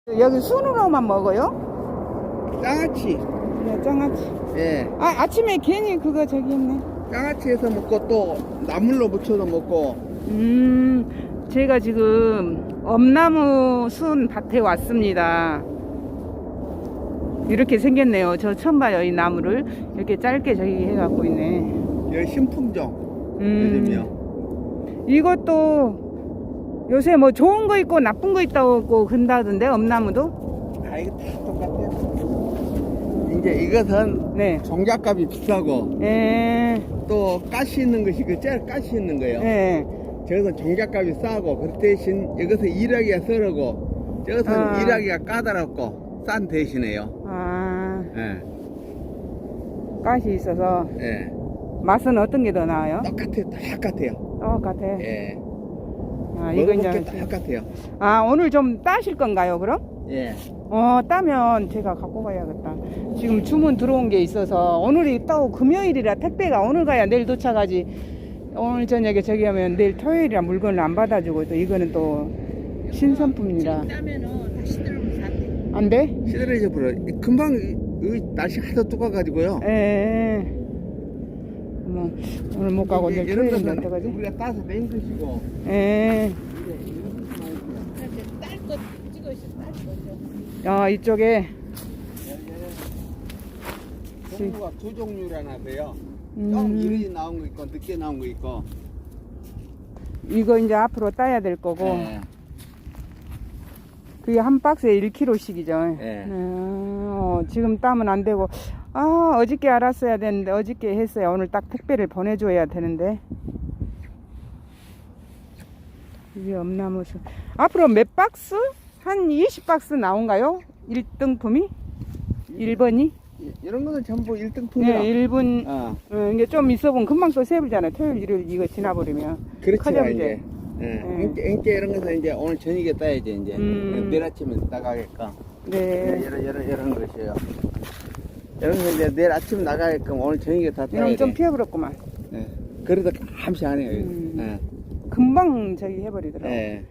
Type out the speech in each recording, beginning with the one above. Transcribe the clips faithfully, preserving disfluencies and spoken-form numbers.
여기 순으로만 먹어요? 장아찌. 네, 장아찌. 예. 아, 아침에 괜히 그거 저기 있네. 장아찌에서 먹고 또 나물로 무쳐서 먹고. 음, 제가 지금 엄나무 순 밭에 왔습니다. 이렇게 생겼네요. 저 처음 봐요, 이 나무를. 이렇게 짧게 저기 해갖고 있네. 여기 신품종. 음, 요즘이요. 이것도 요새 뭐 좋은 거 있고 나쁜 거 있다고 근다던데, 엄나무도? 아, 이거 다 똑같아요. 이제 이것은 네. 종잣값이 비싸고 예, 또 가시 있는 것이 그 제일 가시 있는 거예요. 예. 저것은 종잣값이 싸고 그 대신 이것은 일하기가 썰하고 저것은 아. 일하기가 까다롭고 싼 대신에요. 아, 예. 가시 있어서 예. 맛은 어떤 게 더 나아요? 똑같아요. 똑같아요. 똑같아. 예. 아, 이거 먹어볼 게 이제. 똑같아요. 아, 오늘 좀 따실 건가요, 그럼? 예. 어, 따면 제가 갖고 가야겠다. 지금 주문 들어온 게 있어서 오늘이 또 금요일이라 택배가 오늘 가야 내일 도착하지. 오늘 저녁에 저기 하면 내일 토요일이라 물건을 안 받아주고 또 이거는 또 신선품이라. 따면은 다시 들으면서 안 돼. 안 돼? 시들해져 버려. 금방 이, 이 날씨 하도 뜨거워가지고요. 예. 어머, 오늘 못 가고 이제 내일 이런 토요일에 거는 어떡하지? 우리가 따서 맨 것이고. 예. 그래서 딸거 찍어 있어, 딸 거죠. 아, 이쪽에. 종류가 두 종류라 나서요. 음. 좀 이르게 나온 거 있고 늦게 나온 거 있고. 이거 이제 앞으로 따야 될 거고. 예. 그게 한 박스에 일 킬로씩이죠. 예. 어, 지금 따면 안 되고. 아, 어저께 알았어야 되는데, 어저께 했어야 오늘 딱 택배를 보내줘야 되는데. 이게 엄나무수. 앞으로 몇 박스? 한 이십 박스 나온가요? 일 등품이? 일 번이? 이- 이런 거는 전부 일 등품이야. 네, 일 분. 어. 어, 이게 좀 있어보면 금방 또 세불잖아요. 토요일, 일요일 이거 지나버리면. 그렇죠. 커져버리죠. 이제. 예. 네. 인게, 인게 이런 것은 이제 오늘 저녁에 따야지 이제. 음. 내일 아침에 나가게끔. 네. 이런 이런 이런 것이에요. 이런 거 이제 내일 아침 나가게끔 오늘 저녁에 다 따야 이런 돼. 좀 피해버렸구만. 예. 그래도 감시 안 해요. 음. 예. 금방 저기 해버리더라고. 예.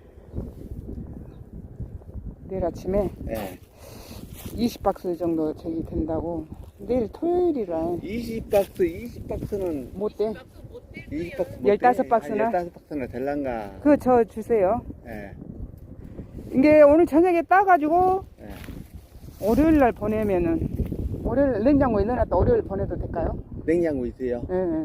내일 아침에 예. 이십 박스 정도 저기 된다고. 내일 토요일이라 이십 박스, 이십 박스는 못 돼. 이십 박스 열다섯 박스나? 열다섯 박스나 될란가. 그거 저 주세요. 예. 이게 오늘 저녁에 따가지고 예. 월요일 날 보내면은 월요일 냉장고에 넣어놨다 월요일 보내도 될까요? 냉장고 있어요. 예. 예.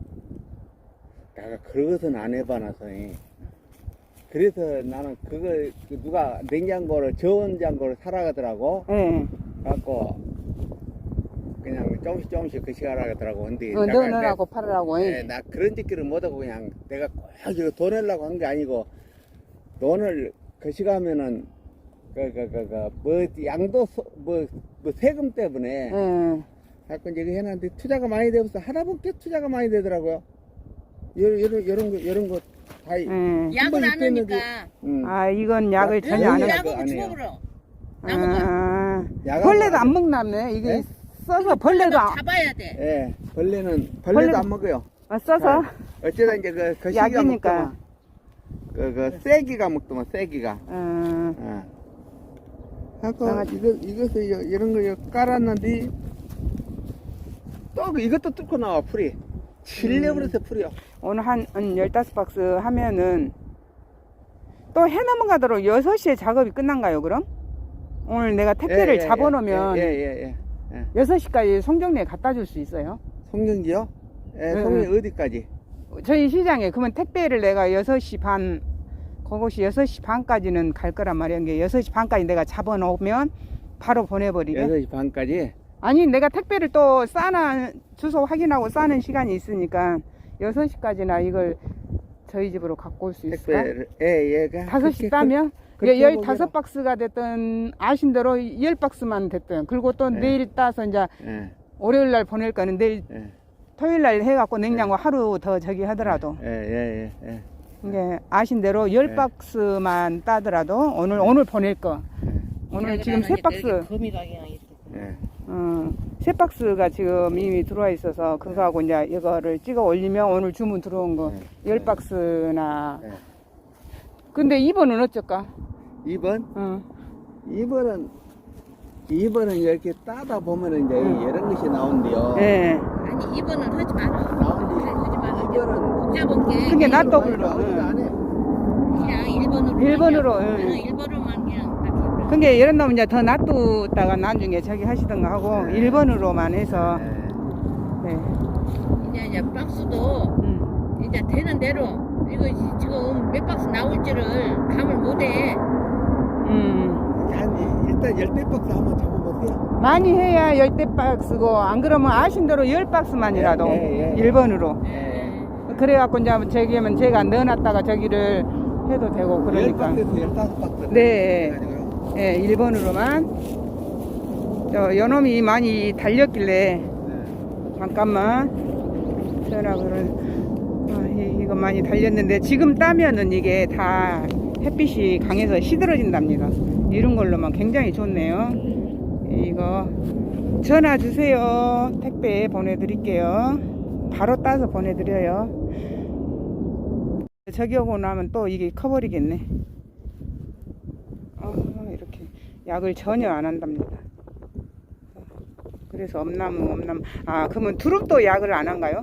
내가 그것은 안 해봐놔서. 예. 그래서 나는 그거 그 누가 냉장고를 저온장고를 사라가더라고. 예. 갖고 그냥 조금씩 조금씩 거시가라더라고. 근데 어, 내가- 넣어놓으라고 팔으라고. 네, 예. 나 그런 짓기를 못하고 그냥 내가 꼭 이거 돈 내려고 한 게 아니고 돈을 거시가면은 그 그 그 그 뭐 양도 뭐, 뭐 세금 때문에 예. 자꾸 이제 해놨는데 투자가 많이 되어서 하다 보니까 투자가 많이 되더라고요. 이런 이런 이런 거 이런 거 다. 예. 약을 안 있겠는데. 하니까. 음. 아, 이건 약을 약- 전혀 안 약- 해. 약- 약을 안 해요. 주먹으로. 나무가. 아, 야간 벌레도 안 안 먹나네. 이게 네? 써서 벌레도 안, 잡아야 돼. 예, 벌레는 벌레도 벌레- 안 먹어요. 아, 써서 어쩌다 이제 그 거시기가 약이니까. 먹더만 그그 쐐기가 먹더만 쐐기가. 어, 예. 하고 강아지. 이거 이것을 이거 이런 거 이거 깔았는데 또 이것도 뚫고 나와 풀이 칠려버려서 풀이요. 오늘 한, 한 열다섯 박스 하면은 또 해 넘어가도록 여섯 시에 작업이 끝난가요, 그럼? 오늘 내가 택배를 예, 예, 잡아놓으면 예예예 예, 예, 예. 여섯 시까지 송정리에 갖다 줄 수 있어요? 송정지요? 예, 네, 송정지 어디까지? 저희 시장에 그러면 택배를 내가 여섯 시 반 그것이 여섯 시 반까지는 갈 거란 말이야. 이게 여섯 시 반까지 내가 잡아놓으면 바로 보내버리게. 여섯 시 반까지. 아니 내가 택배를 또 싸는 주소 확인하고 싸는 시간이 있으니까 여섯 시까지나 이걸 저희 집으로 갖고 올 수 있을까? 택배를 예예. 다섯 시 따면 그렇게 열 해보게요. 다섯 박스가 됐든 아신 대로 열 박스만 됐든 그리고 또 네. 내일 따서 이제 예, 월요일 날 보낼 거는 내일 예, 토요일 날 해갖고 냉장고 하루 더 저기 하더라도 예, 예, 예, 이게 아신 대로 열 네. 박스만 따더라도 오늘 오늘 보낼 거 예, 오늘 지금 세 박스 거미 가게가 있어. 예. 어, 세 박스가 지금 이미 들어와 있어서 그거하고 이제 이거를 찍어 올리면 오늘 주문 들어온 거 네. 열 박스나 네. 근데 이 번은 어쩔까? 이 번 어. 이번은 이번은 이렇게 따다 보면은 이제 음. 이런 것이 나온대요. 예. 아니 이번은 하지 마라. 나온디. 하지 마라. 이번은 복잡한 게 그게 낫다 아니, 불러. 나오지도 않아. 그냥 일본어로 일본어로, 그냥, 응. 응, 일본어로만 그냥 딱 해버려. 그게 이런 놈 이제 더 놔두다가 나중에 저기 하시던가 하고 네. 일본으로만 해서 네. 네. 이제 이제 박스도 음. 이제 되는 대로 이거 지- 지금 몇 박스 나올지를 감을 못해. 음. 한 일단 열대 박스 한번 잡아보세요. 많이 해야 열대 박스고 안 그러면 아신 대로 열 박스만이라도 예, 예, 예. 일본으로 예. 그래갖고 이제 저기 하면 제가 넣어놨다가 저기를 해도 되고 열 그러니까 박스에서 열다섯 박스. 네. 해가지고요. 예, 일본으로만 저 요놈이 많이 달렸길래 네. 잠깐만 전화를 아, 이- 이거 많이 달렸는데 지금 따면은 이게 다 햇빛이 강해서 시들어진답니다. 이런 걸로만 굉장히 좋네요. 이거 전화 주세요. 택배 보내드릴게요. 바로 따서 보내드려요. 저기 오고 나면 또 이게 커버리겠네. 아, 이렇게 약을 전혀 안 한답니다. 그래서 엄나무 엄나무 아 그러면 두릅도 약을 안 한가요?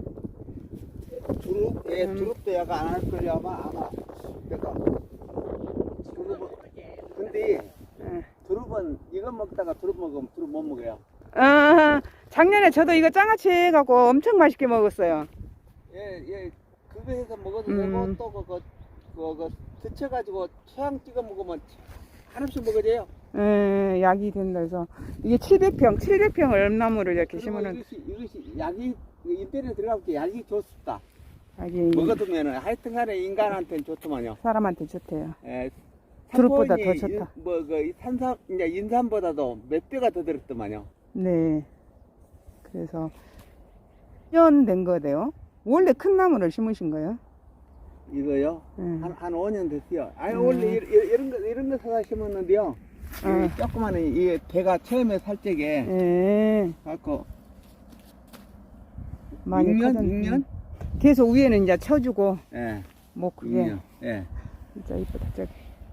두릅? 예, 음. 두릅도 약간 안 할 거예요 아마 아마. 그러니까 두릅은 근데 예. 두릅은 이거 먹다가 두릅 먹으면 두릅 못 먹어요. 아 작년에 저도 이거 장아찌 해갖고 엄청 맛있게 먹었어요. 예, 예, 그거 해서 먹어도 음. 되고 또 그거 그거 데쳐가지고 초양 찍어 먹으면 한없이 먹어져요. 예, 약이 된다 해서 이게 칠백 평 칠백 평을 엄나무를 이렇게 그리고 심으면 이것이 이것이 약이 인터넷 들어가면 약이 좋습니다. 약이 먹어두면은 하여튼간에 인간한테는 좋더만요. 사람한테 좋대요. 예, 두릅보다 산포인이 더 좋다. 인- 뭐, 그, 산삼, 이제 인삼보다도 몇 배가 더 들었더만요. 네. 그래서 일 년 된 거대요. 원래 큰 나무를 심으신 거예요? 이거요? 예. 한, 한 오 년 됐어요. 아니, 음. 원래 이, 이- 이런 거, 이런 거 사다 심었는데요. 아. 이 조그마한, 이, 배가 처음에 살 적에, 예. 갖고, 많이 육 년? 커졌네. 육 년? 계속 위에는 이제 쳐주고 예, 뭐 육 그게 년. 예. 진짜 이쁘다 저기.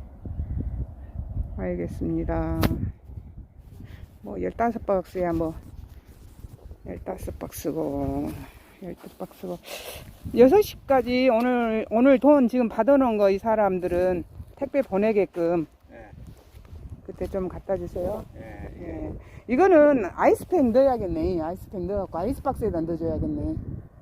알겠습니다. 뭐 열다섯 박스야 뭐 열다섯 박스고 열두 박스고 여섯 시까지 오늘 오늘 돈 지금 받아놓은 거 이 사람들은 택배 보내게끔 예, 그때 좀 갖다 주세요. 예, 예. 예. 이거는 아이스팩 넣어야겠네. 아이스팩 넣어갖고 아이스박스에다 넣어줘야겠네.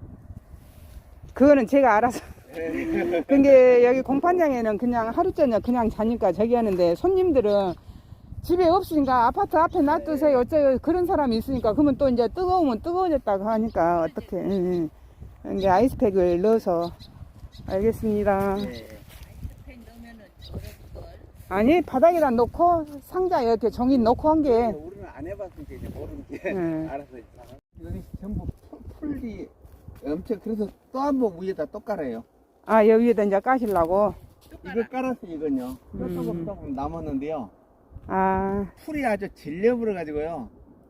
그거는 제가 알아서. 예. 근데 여기 공판장에는 그냥 하루 저녁 그냥 자니까 저기 하는데 손님들은 집에 없으니까 아파트 앞에 놔두세요. 어쩌요 그런 사람이 있으니까 그러면 또 이제 뜨거우면 뜨거워졌다고 하니까 어떻게? 응, 응. 이제 아이스팩을 넣어서 알겠습니다. 예. 펜 넣으면은 어려울 걸. 아니 바닥에다 놓고 상자 이렇게 종이 놓고 한 게. 우리는 안 해봤으니까 이제 모르는 게 예. 알아서 있잖아. 여기 전부 풀- 풀이 엄청 그래서 또 한 번 위에다 또 깔아요. 아 여기에다 이제 까시려고. 이거 깔아서 이건요. 또 음. 조금 조금 남았는데요. 아, 풀이 아주 질려버려 가지고요.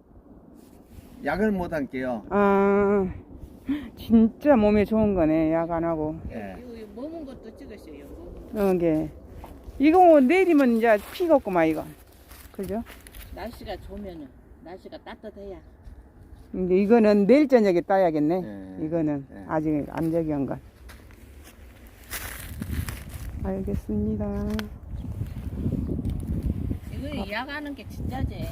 약을 못 할게요. 아 진짜 몸에 좋은 거네 약 안 하고. 예. 이거 이거 먹은 것도 찍으세요. 먹은 거. 이게 이거 내리면 이제 피가 없구만 이거. 그죠? 날씨가 좋으면은 날씨가 따뜻해야. 근데 이거는 내일 저녁에 따야겠네. 예. 이거는 예. 아직 안 저기 한 건. 알겠습니다. 이거 약하는 게 진짜지.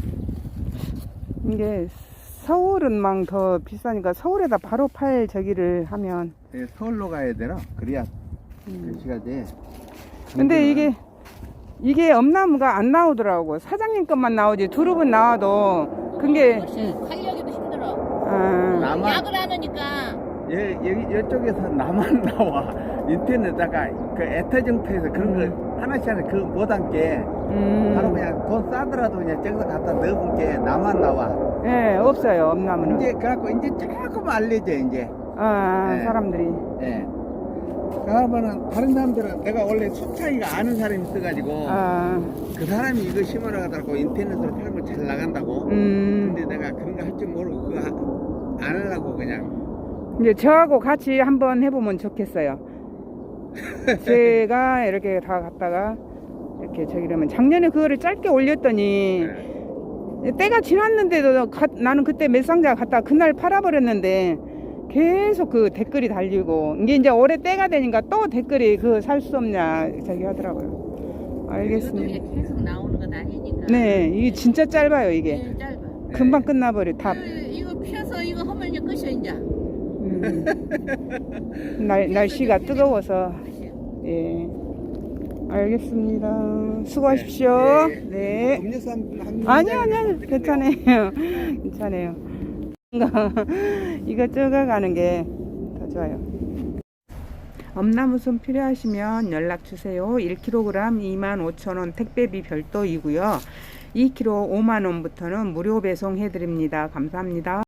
이게 서울은 막 더 비싸니까 서울에다 바로 팔 저기를 하면. 예, 서울로 가야 되나? 그래야 음. 글씨가 돼. 근데 이게 이게 엄나무가 안 나오더라고. 사장님 것만 나오지 두릅은 나와도 그게 훨씬 활력이도 힘들어. 아, 나만- 약을 하니까 예, 여기 이쪽에서 나만 나와. 인터넷에다가 그 애터정터에서 그런 거 하나씩 하나 그 못한 게 바로 음, 그냥 돈 싸더라도 그냥 저기서 갖다 넣어본 게 나만 나와. 예 없어요 엄나무는. 이제 그래갖고 이제 조금 알려져 이제. 아 네. 사람들이. 예. 그러면은 다른 사람들은 내가 원래 수차이가 아는 사람이 있어가지고 아, 그 사람이 이거 심어놔가지고 인터넷으로 팔면 잘 나간다고. 음, 근데 내가 그런 거 할 줄 모르고 그거 하- 안 하려고 그냥. 이제 저하고 같이 한번 해보면 좋겠어요. 제가 이렇게 다 갔다가 이렇게 저기 그러면 작년에 그거를 짧게 올렸더니 네. 때가 지났는데도 가, 나는 그때 몇 상자 갖다 그날 팔아버렸는데 계속 그 댓글이 달리고 이게 이제 올해 때가 되니까 또 댓글이 그 살 수 없냐 저기 하더라고요. 알겠습니다. 이것도 이게 계속 나오는 건 아니니까. 네, 이게 진짜 짧아요 이게. 네, 짧아. 금방 끝나버려 다. 이거, 이거 피워서 이거 하면 이제 끝이야 이제. 음. 날 날씨가 뜨거워서. 예. 알겠습니다. 수고하십시오. 네. 네. 음료수 한, 한 아니 잔 아니 아니 드릴게요. 괜찮아요. 괜찮아요. 이거 쪼가가는 게 더 좋아요. 엄나무순 필요하시면 연락 주세요. 일 킬로그램 이만 오천 원 택배비 별도이고요. 이 킬로그램 오만 원부터는 무료 배송해 드립니다. 감사합니다.